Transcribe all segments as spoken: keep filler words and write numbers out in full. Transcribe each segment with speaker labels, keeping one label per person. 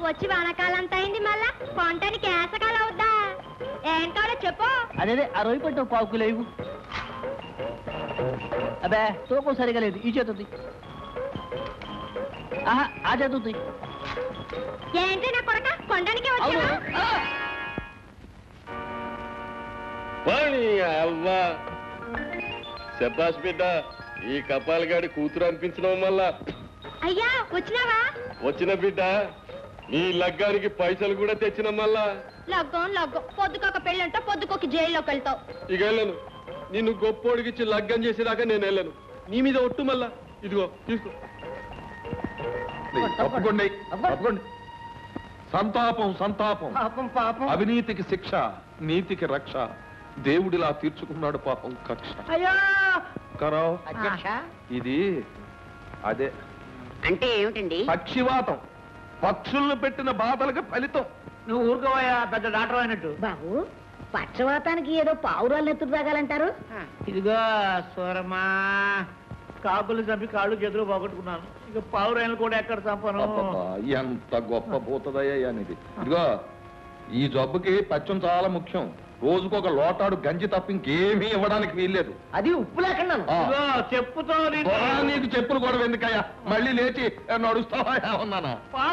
Speaker 1: వచ్చి వానకాలంతా అయింది, మళ్ళా కొంటానికి ఏసకాలం అవుద్దా? ఏం కావాలో చెప్పు.
Speaker 2: అదే ఆ రొయ్యి పట్టు పావుకు లేవు. అబ్బే తూకం సరిగా లేదు, ఈ చేతుంది. ఆహా ఆ చేతుంది.
Speaker 1: ఏంటి నా కొరక కొండానికి వచ్చావా?
Speaker 3: అవ్వా శబ్బాష్ బిడ్డ, ఈ కపాలగాడి కూతురు అనిపించడం వల్ల.
Speaker 1: అయ్యా వచ్చినావా?
Speaker 3: వచ్చిన బిడ్డ, నీ లగ్గానికి పైసలు కూడా తెచ్చిన మళ్ళా.
Speaker 1: లగ్గం లగ్గం పొద్దుకొక పెళ్ళంటో పొద్దుకొక జైల్లోకి వెళ్తావు.
Speaker 3: ఇక వెళ్ళను, నిన్ను గొప్పోడికిచ్చి లగ్గం చేసేదాకా నేను వెళ్ళను. నీ మీద ఒట్టు మళ్ళా. ఇదిగో తీసుకో.
Speaker 4: తప్పకుండా తప్పకుండా. సంతాపం సంతాపం.
Speaker 2: పాపం పాపం.
Speaker 4: అవినీతికి శిక్ష, నీతికి రక్ష. దేవుడిలా తీర్చుకున్నాడు పాపం కక్ష.
Speaker 2: అయ్యో
Speaker 4: కరావ్
Speaker 2: అధ్యక్ష,
Speaker 4: ఇది అదే
Speaker 5: అంటే ఏమిటండి?
Speaker 4: పక్షివాతం. పక్షుల్ని పెట్టిన బాధలకు ఫలితం.
Speaker 2: నువ్వు ఊరుకోవయ్యా, పెద్ద డాక్టర్ అయినట్టు.
Speaker 5: బాబు, పక్షవాతానికి ఏదో పావురాలు ఎత్తుకు తాగాలంటారు.
Speaker 2: ఇదిగో సూరమ్మా, కాకులు చంపి కాళ్ళు చేతులు పోగొట్టుకున్నాను, ఇక పావురాయలు కూడా ఎక్కడ చంపను.
Speaker 4: అబ్బబ్బా, ఎంత గొప్ప భూతదయ్యా ఇది. ఇదిగో ఈ జబ్బుకి పచ్చం చాలా ముఖ్యం. రోజుకొక లోటాడు గంజి తప్ప ఇంకేమీ ఇవ్వడానికి వీల్లేదు.
Speaker 2: అది ఉప్పు లేకుండా. చెప్పుతో
Speaker 4: నీకు చెప్పులు కూడా ఎందుకయ్యా? మళ్ళీ లేచి నడుస్తావా ఉన్నానా?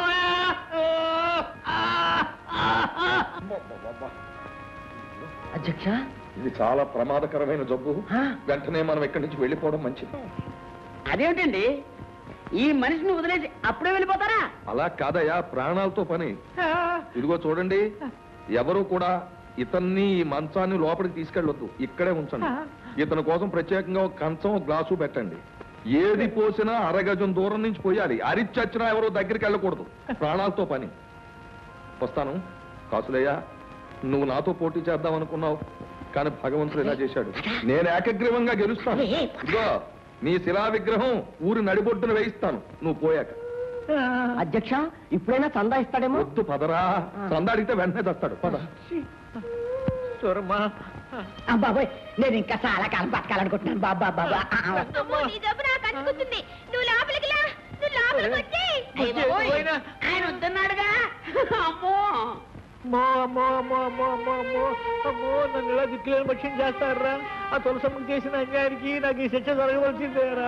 Speaker 2: అధ్యక్ష,
Speaker 4: ఇది చాలా ప్రమాదకరమైన జబ్బు. వెంటనే మనం ఇక్కడి నుంచి వెళ్ళిపోవడం మంచిది.
Speaker 5: అదేమిటండి, ఈ మనిషిని వదిలేసి అప్పుడే వెళ్ళిపోతారా?
Speaker 4: అలా కాదయ్యా, ప్రాణాలతో పని. ఇదిగో చూడండి, ఎవరు కూడా ఇతన్ని ఈ మంచాన్ని లోపలికి తీసుకెళ్ళొద్దు, ఇక్కడే ఉంచండి. ఇతని కోసం ప్రత్యేకంగా ఒక కంచం ఒక గ్లాసు పెట్టండి. ఏది పోసినా అరగజం దూరం నుంచి పోయాలి. అరిచచ్చినా ఎవరు దగ్గరికి వెళ్ళకూడదు, ప్రాణాలతో పని. వస్తాను. కాసులయ్యా, నువ్వు నాతో పోటీ చేద్దాం అనుకున్నావు, కానీ భగవంతుడు ఇలా చేశాడు. నేను ఏకగ్రీవంగా గెలుస్తాను. ఇదిగో నీ శిలా విగ్రహం ఊరి నడిబొడ్డున వేయిస్తాను నువ్వు పోయాక.
Speaker 2: అధ్యక్ష, ఇప్పుడైనా చందా ఇస్తాడేమో.
Speaker 4: వద్దు పదరా, చందా అడిగితే వెంటనే తెస్తాడు. పద.
Speaker 2: సూరమ్మా,
Speaker 5: బాబాయ్, నేను ఇంకా చాలా కాలం బతకాలనుకుంటున్నాను. బాబా బాబా
Speaker 1: అమ్మో, నీ జబ్బు నాకు అంటుకుంటుంది. నువ్వు లోపలికి లా, నువ్వు లోపలికి వచ్చి.
Speaker 5: ఆయన వద్దన్నాడుగా. అమ్మో
Speaker 2: అమ్మో అమ్మో అమ్మో అమ్మో అమ్మో అమ్మో అమ్మో, నన్ను ఇలా దిక్కులేని పక్షం చేస్తారా? ఆ తులసమ్మకి చేసిన అన్యాయానికి నాకు ఈ శిక్ష జరగవలసిందేరా?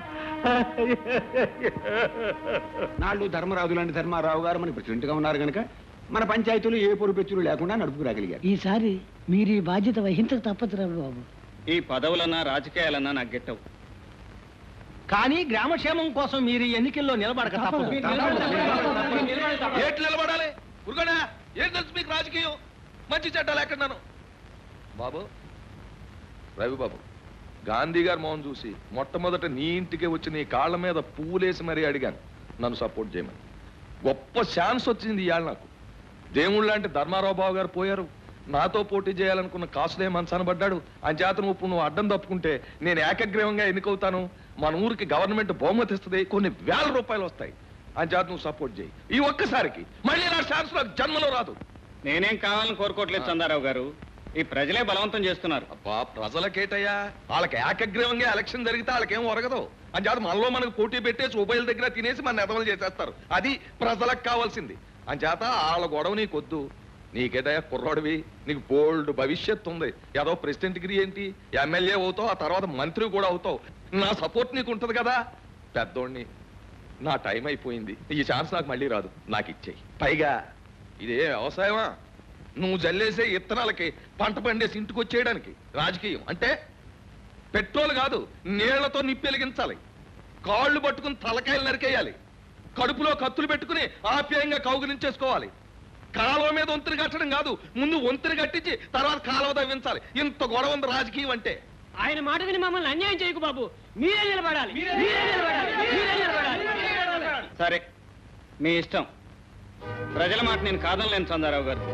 Speaker 6: నాళ్ళు ధర్మరాజు లాంటి ధర్మారావు గారు మన ప్రెసిడెంట్ గా ఉన్నారు కనుక మన పంచాయతీలు ఏ పొరుపెచ్చులు లేకుండా నడుపుకురాగలిగారు.
Speaker 5: ఈసారి మీరు ఈ బాధ్యత వహించక తప్పదురా బాబు.
Speaker 7: ఈ పదవులన్నా రాజకీయాలన్నా నాకు గెట్టవు,
Speaker 2: కానీ గ్రామక్షేమం కోసం మీరు ఈ ఎన్నికల్లో నిలబడక తప్పదు.
Speaker 4: ఏట్లు నిలబడాలి? ఉరుగడా, ఏం తెలుసు మీకు రాజకీయం? మంచి చెడ్డాలు ఎక్కడున్నాను బాబు. రవి బాబు, గాంధీ గారు మోహన్ చూసి మొట్టమొదట నీ ఇంటికి వచ్చి నీ కాళ్ళ మీద పువ్వులేసి మరీ అడిగాను నన్ను సపోర్ట్ చేయమని. గొప్ప ఛాన్స్ వచ్చింది ఇవాళ నాకు. దేవుళ్ళు లాంటి ధర్మారావు బాబు గారు పోయారు. నాతో పోటీ చేయాలనుకున్న కాసులే మనసనబడ్డాడు. అంచేత నువ్వు ఇప్పుడు నువ్వు అడ్డం తప్పుకుంటే నేను ఏకగ్రీవంగా ఎన్నికవుతాను. మన ఊరికి గవర్నమెంట్ బహుమతి ఇస్తుంది, కొన్ని వేల రూపాయలు వస్తాయి. అంచేత నువ్వు సపోర్ట్ చేయి. ఈ ఒక్కసారికి మళ్ళీ నా ఛాన్స్ నాకు జన్మలో రాదు.
Speaker 7: నేనేం కావాలని కోరుకోవట్లేదు చందారావు గారు, ఈ ప్రజలే బలవంతం చేస్తున్నారు.
Speaker 4: అబ్బా, ప్రజలకేటయ్యా, వాళ్ళకి ఏకగ్రీవంగా ఎలక్షన్ జరిగితే వాళ్ళకేం ఒరగదు. అంచేత మనలో మనకు పోటీ పెట్టేసి ఉభయల దగ్గర తినేసి మన నెదవలు చేసేస్తారు. అది ప్రజలకు కావాల్సింది. అంచేత వాళ్ళ గొడవ నీకొద్దు. నీకేటయ్యా కుర్రాడివి, నీకు బోల్డ్ భవిష్యత్తు ఉంది. ఏదో ప్రెసిడెంట్ డిగ్రీ ఏంటి, ఎమ్మెల్యే అవుతావు, ఆ తర్వాత మంత్రి కూడా అవుతావు. నా సపోర్ట్ నీకు ఉంటది కదా. పెద్దోడిని, నా టైం అయిపోయింది. ఈ ఛాన్స్ నాకు మళ్ళీ రాదు, నాకు ఇచ్చేయి. పైగా ఇదే వ్యవసాయమా? నువ్వు జల్లేసే ఇత్తనాలకి పంట పండేసి ఇంటికి వచ్చేయడానికి రాజకీయం అంటే పెట్రోల్ కాదు, నీళ్లతో నిప్పెలిగించాలి. కాళ్ళు పట్టుకుని తలకాయలు నరికేయాలి. కడుపులో కత్తులు పెట్టుకుని ఆప్యాయంగా కౌగులించేసుకోవాలి. కాలువ మీద వంతుని కట్టడం కాదు, ముందు వంతుని కట్టించి తర్వాత కాలువ తవ్వించాలి. ఇంత గొడవ ఉంది రాజకీయం అంటే.
Speaker 2: ఆయన మాట విని మమ్మల్ని అన్యాయం చేయకు బాబు. మీరే నిలబడాలి, మీరే నిలబడాలి, మీరే నిలబడాలి.
Speaker 7: సరే, మీ ఇష్టం. ప్రజల మాట నేను కాదనలేను చందారావు గారు.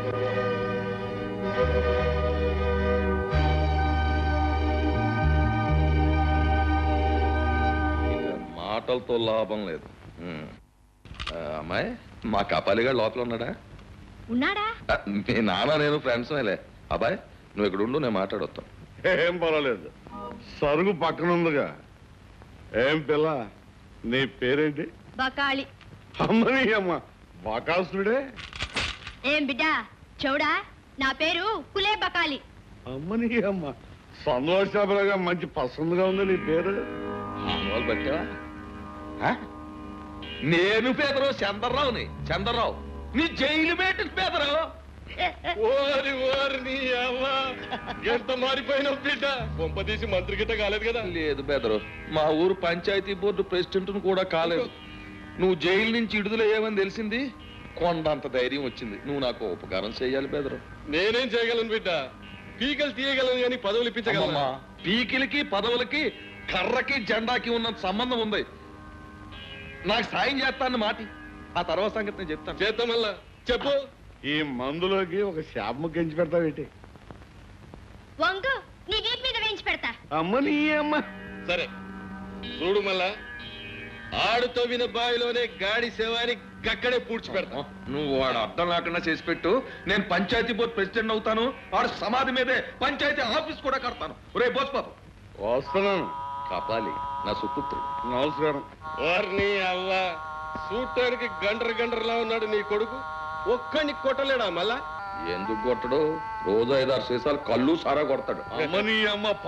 Speaker 4: మాటలతో లాభం లేదు. అమ్మాయి, మా కపాలిగా లోపల ఉన్నాడా?
Speaker 1: ఉన్నాడా?
Speaker 4: మీ నాన్న నేను ఫ్రెండ్స్ లే. అబ్బాయి, నువ్వు ఇక్కడ ఉండు, నేను మాట్లాడొస్తాను.
Speaker 3: ఏం పర్వాలేదు, సరుగు పక్కన ఉందిగా. ఏం పిల్ల, నీ పేరేంటి?
Speaker 1: బకాళి.
Speaker 3: అమ్మని అమ్మ,
Speaker 8: బకాసుడే
Speaker 1: ఏం బిడ్డా చౌడా నా పేరు కులే బకాలి.
Speaker 8: అమ్మని అమ్మ సంతోషాపరగా మంచి పసందుగా ఉంది నీ పేరు.
Speaker 4: మామూలు పట్టావా ఆ? నేను పేదరావు చంద్రరావుని చంద్రరావు నీ జైలు పెట్టిన పేదరావు.
Speaker 3: ఓరి ఓరి నీ అవ్వ ఎంత మారిపోయినావు బిడ్డ. కొంపదీసి మంత్రి గిట్ట కాలేదు కదా?
Speaker 4: లేదు పేదరావు, మా ఊరు పంచాయతీ బోర్డు ప్రెసిడెంట్ కూడా కాలేదు. నువ్వు జైలు నుంచి విడుదలయ్యావని తెలిసింది, కొండంత ధైర్యం వచ్చింది. నువ్వు నాకు ఉపకారం చేయాలి పేదరావు.
Speaker 3: నేనేం చేయగలను బిడ్డ? పీకలు తీయగలను కానీ పదవులు ఇప్పించగలమా?
Speaker 4: అమ్మమ్మా, పీకిలకి పదవులకి కర్రకి జెండాకి ఉన్నంత సంబంధం ఉంది. నాకు సాయం చేస్తాను మాటి, ఆ తర్వాత సంగతి నేను చెప్తాను.
Speaker 3: చేద్దాం మళ్ళా చెప్పు.
Speaker 8: ఈ మందులోకి ఒక శాపము గెంచి పెడతావేటి?
Speaker 1: వంగు నీ వీపు మీద వేయించి పెడతా.
Speaker 8: అమ్మని అమ్మ
Speaker 3: సరే చూడు మళ్ళా, ఆడు తవ్విన బావిలోనే గాడి శవాన్ని గక్కడే పూడ్చి పెడతా.
Speaker 4: నువ్వు వాడు అర్థం లేకుండా చేసి పెట్టు. నేను పంచాయతీ బోర్డు ప్రెసిడెంట్ అవుతాను. వాడు సమాధి మీదే పంచాయతీ ఆఫీస్ కూడా కడతాను. రే బోస్ పాప
Speaker 8: వస్తున్నాను.
Speaker 4: కాపాలి నా సుపుత్రుడు.
Speaker 8: నమస్కారం.
Speaker 3: వారిని అవ్వ చూడటానికి గండ్ర గండ్రలా ఉన్నాడు నీ కొడుకు. ఒక్కడిని కొట్టలేడా మళ్ళా?
Speaker 4: ఎందుకు కొట్టడు? రోజు ఐదారు సీసాలు కళ్ళు సారా కొడతాడు.
Speaker 8: అమ్మని అమ్మ